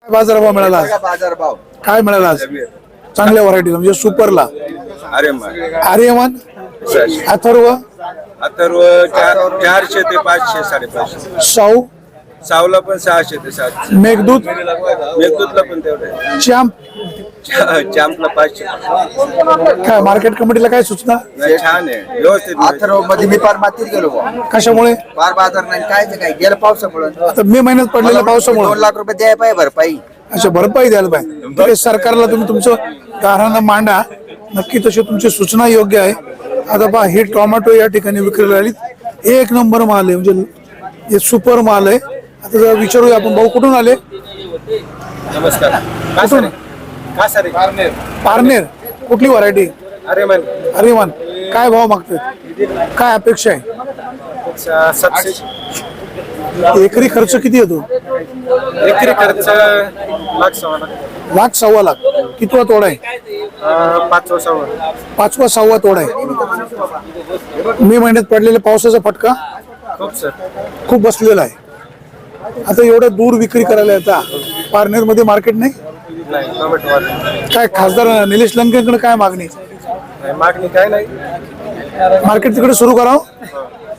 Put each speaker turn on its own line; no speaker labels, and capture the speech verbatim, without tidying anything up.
बाजारभाव मिळाला आज?
बाजारभाव
काय मिळाला आज? चांगल्या व्हरायटीला म्हणजे सुपरला
अरे
आर्यमान अथर्व
अथर्व चार- चारशे ते पाचशे साडेपाचशे
साऊ
सावला पण सहाशे ते सातशे
मेघदूत
मेघदूतला पण तेवढे
श्याम
चॅम्पला पाचशे
काय मार्केट कमिटीला काय सूचना?
नाही, छान आहे व्यवस्थित
अथर्व मध्ये मी फार मातीत गेलो बुवा.
कशामुळे?
फार बाजार नाही काय ते काय गेलं पावसामुळे
आता मे महिन्यात पडलेल्या
दोन
पावसामुळे
लाख रुपये द्याय पाहिजे भरपाई.
अच्छा भरपाई द्यायला पाहिजे. ठीक आहे, सरकारला तुम्ही तुमचं गाऱ्हाणं मांडा. नक्की तशी तुमची सूचना योग्य आहे. आता पहा हे टोमॅटो या ठिकाणी विक्रीला आली, एक नंबर माल आहे म्हणजे हे सुपर माल आहे. आता जरा विचारूया आपण, भाऊ कुठून आले?
नमस्कार
कुठून?
का सर
पारनेर. कुठली व्हरायटी?
अरे मन
अरे मान काय भाव मागतोय? काय अपेक्षा आहे?
सातशे
एकरी खर्च किती येतो?
एकरी खर्च लाख सव्वा लाख
लाख सव्वा लाख. कितवा तोडा आहे?
पाचवा सव्वा
पाचवा सहावा तोडा आहे. मे महिन्यात पडलेल्या पावसाचा फटका
खूप सर
खूप बसलेला आहे. आता एवढं दूर विक्री करायला येतात, पारनेर मध्ये मार्केट नाही.
नाही टोमॅटो वाढले.
काय खासदार निलेश लंकेकडे काय मागणी?
नाही, मागणी काय नाही
मार्केट तिकडे सुरू करावं.